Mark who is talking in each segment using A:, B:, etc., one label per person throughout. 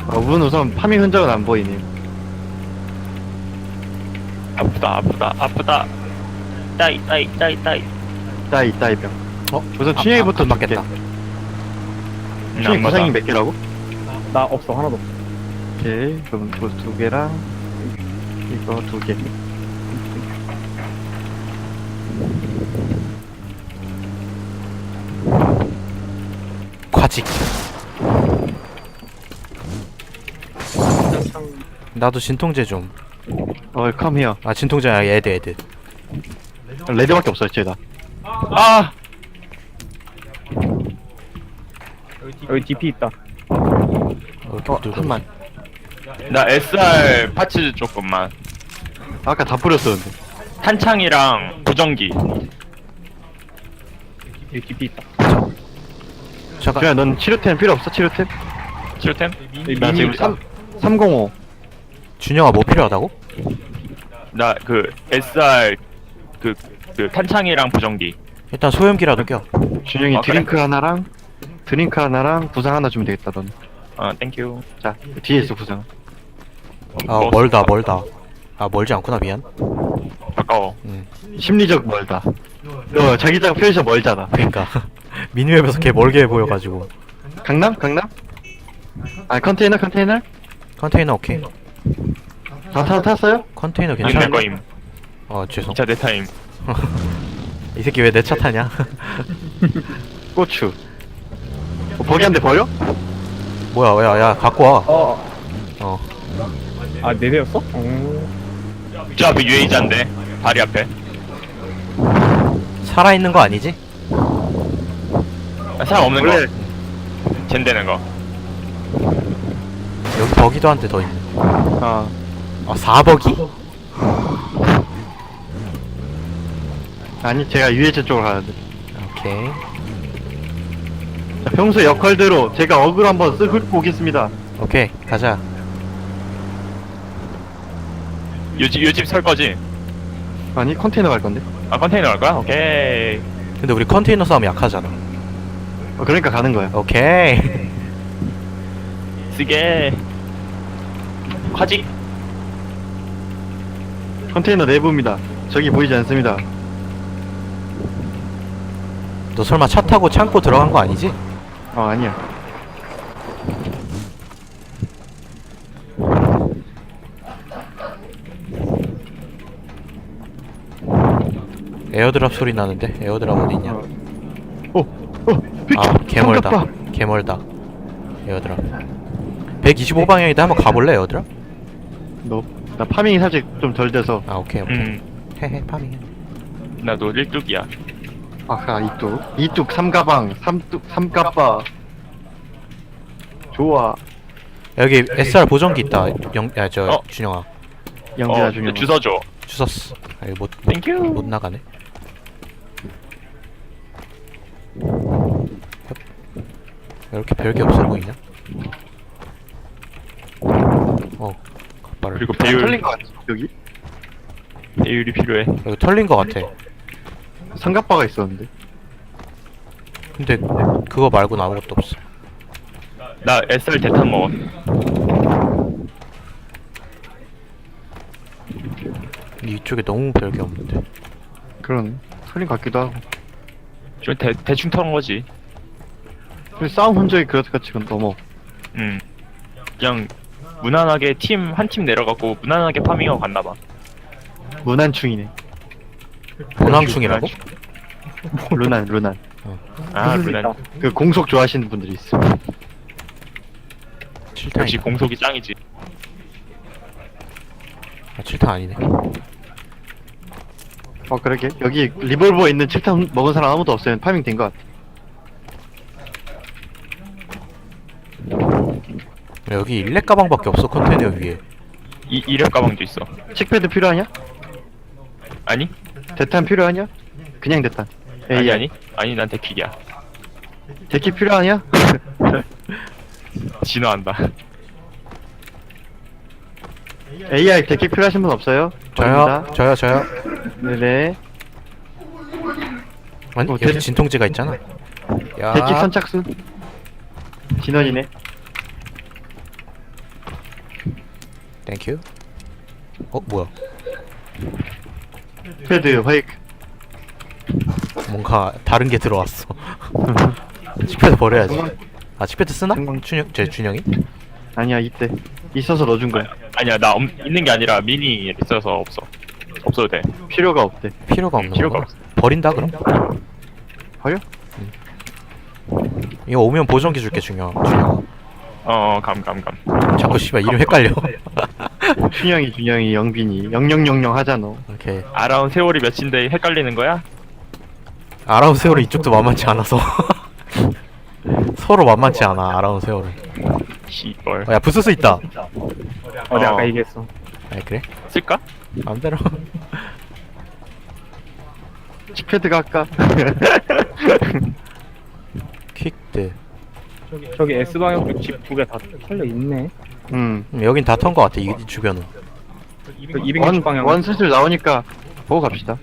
A: 문 우선 파밍 흔적은 안 보이네.
B: 아프다 아프다 아프다. 따이 따이 따이 따이.
A: 따이 병.
C: 어?
A: 우선 춘향이부터
C: 안 맞겠다.
A: 춘향이 구상이 몇 개라고?
D: 나 없어, 하나도 없어.
A: 오케이. 그럼 두 개랑 이거 2개.
C: 과직. 나도 진통제 좀.
A: 컴 히어.
C: 아 진통제 아니 애드.
A: 레드밖에 없어요, 쟤다.
B: 아
D: 여기 DP 있다.
A: 한만.
B: 나 SR 파츠 조금만.
A: 아까 다 뿌렸었는데.
B: 탄창이랑 보정기.
D: 여기 DP 있다.
C: 잠깐.
A: 그냥 넌 치료템 필요 없어, 치료템?
B: 치료템?
D: 여기
A: 나
D: 미니
A: 지금
D: 있다.
A: 305.
C: 준영아 뭐 필요하다고?
B: 나 그 SR 그 탄창이랑 보정기.
C: 일단 소염기라도 껴.
A: 준영이
B: 아, 그래?
A: 드링크 하나랑 구상 하나 주면 되겠다, 넌.
B: 아 땡큐.
A: 자, 뒤에 있어, 구상.
C: 아 멀다. 아 멀지 않구나 미안.
B: 가까워.
A: 심리적 멀다. 너 자기장 표시가 멀잖아.
C: 그러니까 미니맵에서 개 멀게 보여가지고.
A: 강남? 아, 컨테이너?
C: 컨테이너 오케이.
A: 다 탔어요?
C: 컨테이너
B: 안될
C: 괜찮아.
B: 거임.
C: 죄송.
B: 진짜 내 타임.
C: 이 새끼 왜 내 차 타냐?
A: 고추. 버기한테 버려?
C: 뭐야 야 갖고 와.
D: 어. 아, 네 대였어?
B: 저 앞에 유해자인데 다리 앞에.
C: 살아있는 거 아니지?
B: 아, 사람 없는
A: 원래
B: 거. 젠되는 거.
C: 여기 버기도 한 대 더 있네.
A: 아,
C: 4버기?
A: 아니 제가 유해체 쪽으로 가는데.
C: 오케이.
A: 자, 평소 역할대로 제가 어글 한번 쓱 훑고 오겠습니다.
C: 오케이 가자.
B: 요집 설 거지?
A: 아니 컨테이너 갈 건데.
B: 아 컨테이너 갈 거야? 오케이.
C: 근데 우리 컨테이너 싸움 약하잖아.
A: 그러니까 가는 거야.
C: 오케이.
B: 쓰게. 화지.
A: 컨테이너 내부입니다. 저기 보이지 않습니다.
C: 너 설마 차 타고 창고 들어간 거 아니지?
A: 아니야.
C: 에어드랍 소리 나는데? 에어드랍 어디 있냐?
A: 비켜.
C: 아 개멀다. 개멀다. 에어드랍. 125방향인데 한번 가볼래 에어드랍?
A: 나 파밍이 살짝 좀 덜 돼서.
C: 아 오케이. 헤헤 파밍.
B: 나도 1뚝이야.
A: 아까 이뚝 3가방 3까빠. 좋아.
C: 여기 SR 보정기 있다.
B: 어.
C: 준영아.
A: 영재야 중요.
B: 주워 줘.
C: 주웠어. 아 이거
B: 땡큐.
C: 못 나가네. 왜 이렇게 별게 없어 보이냐? 갓발을.
B: 그리고
A: 털린
B: 배율.
A: 거 같지 여기?
B: 배율이 필요해.
C: 여기 털린 거 같아.
A: 삼각바가 있었는데.
C: 근데 그거 말고는 아무것도 없어.
B: 나 SR 대탄 먹어.
C: 이쪽에 너무 별게 없는데.
A: 그런 털린 것 같기도 하고.
B: 좀 대충 털은 거지.
A: 근데 싸움 흔적이 그렇다 지금 넘어.
B: 그냥 무난하게 한 팀 내려가고 무난하게 파밍하고 갔나봐.
A: 문안충이네.
C: 본황충이라고?
A: 루난.
B: 아
D: 무슨
B: 무난.
A: 그 공속 좋아하시는 분들이 있어.
C: 칠탄.
B: 역시 공속이 짱이지.
C: 아 칠탄 아니네.
A: 그러게. 여기 리볼버 있는 칠탄 먹은 사람 아무도 없어요. 파밍 된 것 같아.
C: 여기 일렉 가방밖에 없어 컨테이너 위에.
B: 이력 가방도 있어.
A: 칙패드 필요하냐?
B: 아니?
A: 대탄 필요하냐? 그냥 대탄.
B: 아니 난 데킥이야.
A: 데키 필요하냐?
B: 진화한다.
A: AI 데키 필요하신 분 없어요?
C: 저요.
A: 저입니다.
C: 저요.
A: 네네.
C: 아니
A: 어,
C: 여기
A: 데-
C: 진통제가 있잖아. 야.
A: 데키 선착순. 진원이네.
C: 땡큐. 뭐야?
A: 패드 화이크.
C: 뭔가 다른 게 들어왔어. 칙패드 버려야지. 아 칙패드 쓰나? 준영이?
A: 아니야 이때 있어서 넣어준 거야.
B: 아니야 나 있는 게 아니라 미니 있어서 없어. 없어도 돼.
A: 필요가 없대.
C: 필요가 없는
B: 필요가
C: 거야.
B: 없어.
C: 버린다 그럼?
A: 버려?
C: 이거 오면 보정기 줄게 준영아.
B: 감.
C: 자꾸 씨발 이름 헷갈려.
A: 준영이 영빈이 0000 하잖아.
C: 오케이.
B: 아라운 세월이 몇인데 헷갈리는 거야?
C: 아라운 세월은 이쪽도 만만치 않아서. 서로 만만치 않아 아라운 세월은.
B: 씨발.
C: 야 부스스 있다.
D: 내가
B: 어.
D: 아까 얘기했어.
C: 아 그래?
B: 쓸까?
C: 마음대로.
A: 칙패드가 아까.
C: 퀵드.
D: 저기 S방향 쪽 집 두 개 다 털려 있네.
C: 여긴 다 턴 거 같아 이 주변은.
D: 그 260방향.
A: 원 슬슬 나오니까 보고 갑시다.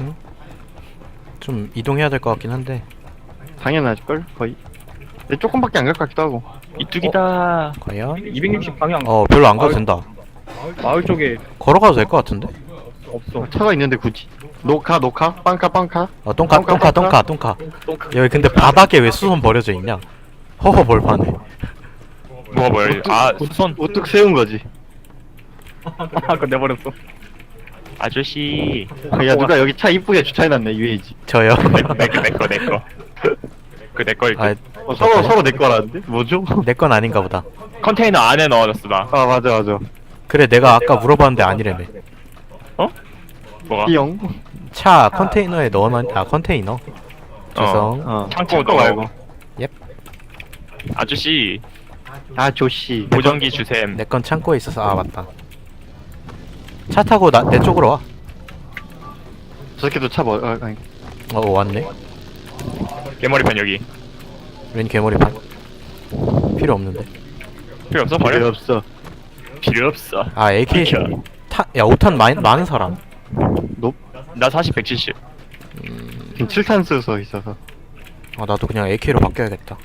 C: 좀 이동해야 될 것 같긴 한데.
A: 당연하실걸 거의. 근데 조금밖에 안 갈 것 같기도 하고.
B: 이뚝이다.
C: 과연?
D: 260방향.
C: 별로 안 가도 된다.
D: 마을 쪽에
C: 걸어가도 될 것 같은데?
D: 없어.
A: 차가 있는데 굳이. 노카 빵카.
C: 똥카. 여기 근데 바닥에 왜 수선 버려져 있냐? 허허 벌판에.
B: 뭐야? 손
A: 우뚝 세운 거지.
D: 아까 내버렸어.
B: 아저씨.
A: 야 누가 여기 차 이쁘게 주차해놨네 UAG.
C: 저요.
B: 내거. 그 내 거일
C: 아,
B: 듯.
A: 서로 내 거라는데? 뭐죠?
C: 내 건 아닌가 보다.
B: 컨테이너 안에 넣어놨어 나.
A: 아 맞아.
C: 그래 내가 아까 물어봤는데 아니래네.
B: 뭐가?
A: 띠용.
C: 차 컨테이너에 넣어놨. 컨테이너. 죄송.
B: 창고
A: 말고.
C: 옙.
B: 아저씨
A: 아 조씨.
B: 보정기 주셈.
C: 내 건 창고에 있어서. 아 맞다. 차 타고 내 쪽으로 와.
A: 저 새끼도 차 아니.
C: 왔네.
B: 개머리판 여기.
C: 웬 괴물이판. 필요 없는데.
B: 필요 없어?
A: 필요
B: 버려?
A: 없어.
B: 필요 없어.
C: 아 AK.
B: 비켜.
C: 야 5탄 많은 사람.
B: 나 40, 170.
A: 지금 7탄 쓰서 있어서.
C: 나도 그냥 AK로 바뀌어야겠다.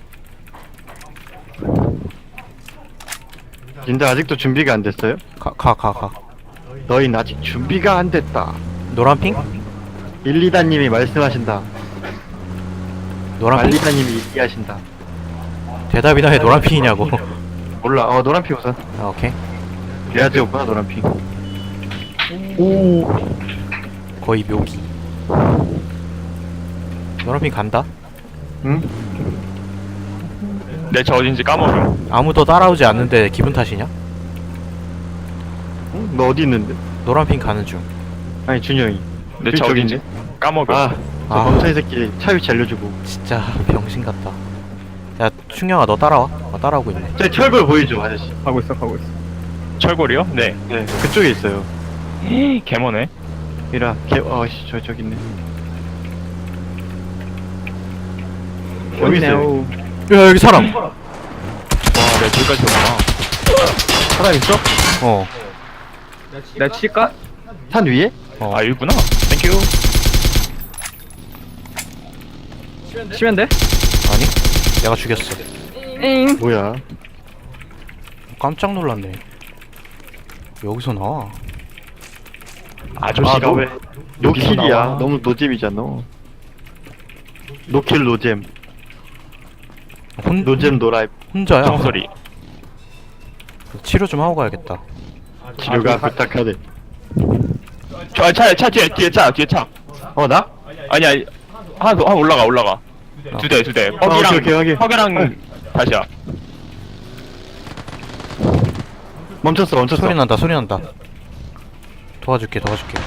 A: 근데 아직도 준비가 안 됐어요?
C: 가.
A: 너희는 아직 준비가 안 됐다.
C: 노란핑?
A: 1, 2단님이 말씀하신다.
C: 노란핑?
A: 1,2단님이 얘기하신다.
C: 대답이나 해. 노란핑이냐고.
A: 몰라. 노란핑 우선.
C: 오케이.
A: 그래야지 오빠 노란핑.
C: 거의 묘기. 노란핑 간다?
A: 응?
B: 내 저 어딘지 까먹음.
C: 아무도 따라오지 않는데 기분 탓이냐?
A: 응? 너 어디 있는데?
C: 노란핑 가는 중.
A: 아니 준영이.
B: 내 저
A: 저기
B: 어딘지 까먹음.
A: 저 멍청이 새끼 차 위치 알려주고.
C: 진짜 병신 같다. 야 충영아 너 따라와. 따라오고 있네.
A: 저 철골 보이죠 아저씨?
D: 가고 있어.
B: 철골이요? 네.
A: 네 그쪽에 있어요.
B: 개머네.
A: 이라 씨 저기 있네. 여기 있어요.
C: 야 여기 사람.
B: 와, 내 저기까지 오구나.
A: 사람 있어?
D: 내가 칠까?
A: 산 위에?
B: 아, 여기구나. 땡큐.
D: 치면 돼?
C: 아니? 내가 죽였어.
A: 뭐야?
C: 깜짝 놀랐네. 여기서 나와.
B: 아저씨가 왜?
A: 노킬이야. 너무 노잼이잖아. 노킬 노잼. 노잼 노라이프.
C: 혼자야.
B: 정소리.
C: 치료 좀 하고 가야겠다.
A: 치료가 부탁하네.
B: 차 뒤에 차.
A: 나?
B: 아니야. 하나 올라가. 두 대.
A: 오케이.
B: 허기랑 다시야.
A: 멈췄어.
C: 소리 난다. 도와줄게.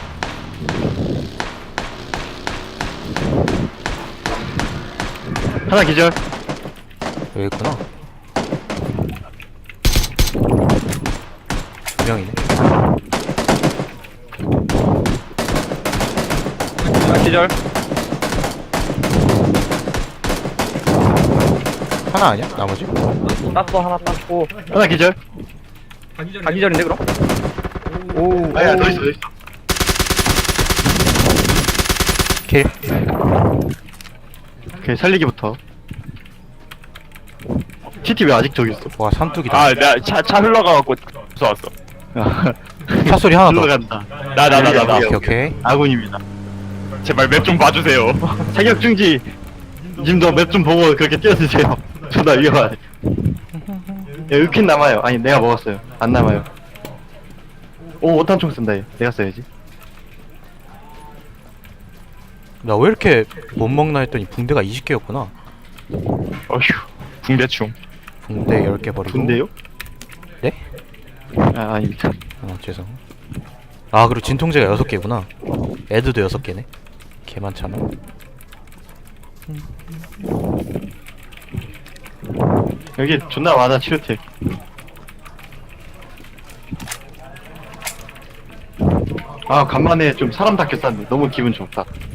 A: 하나 기절.
C: 여기 있구나. 두 명이네.
D: 기절.
C: 하나 아니야? 나머지?
D: 땄어. 하나 땄고.
A: 하나 기절.
D: 가기절인데 그럼? 오.
A: 아야 더 있어.
C: 킬.
A: 오케이 살리기부터. TT 왜 아직 저기 있어?
C: 와 산뚝이다.
B: 아, 내가 차 흘러가갖고 무서웠어.
C: 차 소리 하나 더.
A: 들어간다.
B: 나.
C: 오케이 오케이.
A: 아군입니다.
B: 제발 맵 좀 봐주세요.
A: 자격 중지. 님도 맵 좀 보고 그렇게 뛰어드세요. 존나 위험하네. 야, 으킨 남아요. 아니, 내가 먹었어요. 안 남아요. 오, 5탄총 쓴다, 얘. 내가 써야지.
C: 나 왜 이렇게 못 먹나 했더니 붕대가 20개였구나.
B: 어휴, 붕대충.
C: 붕대 10개 버리고.
A: 군대요?
C: 네?
A: 아, 아닙니다.
C: 죄송. 아 그리고 진통제가 6개구나. 애드도 6개네. 개 많잖아.
A: 여기 존나 많아, 치료텍. 아, 간만에 좀 사람답게 쌌네. 너무 기분 좋다.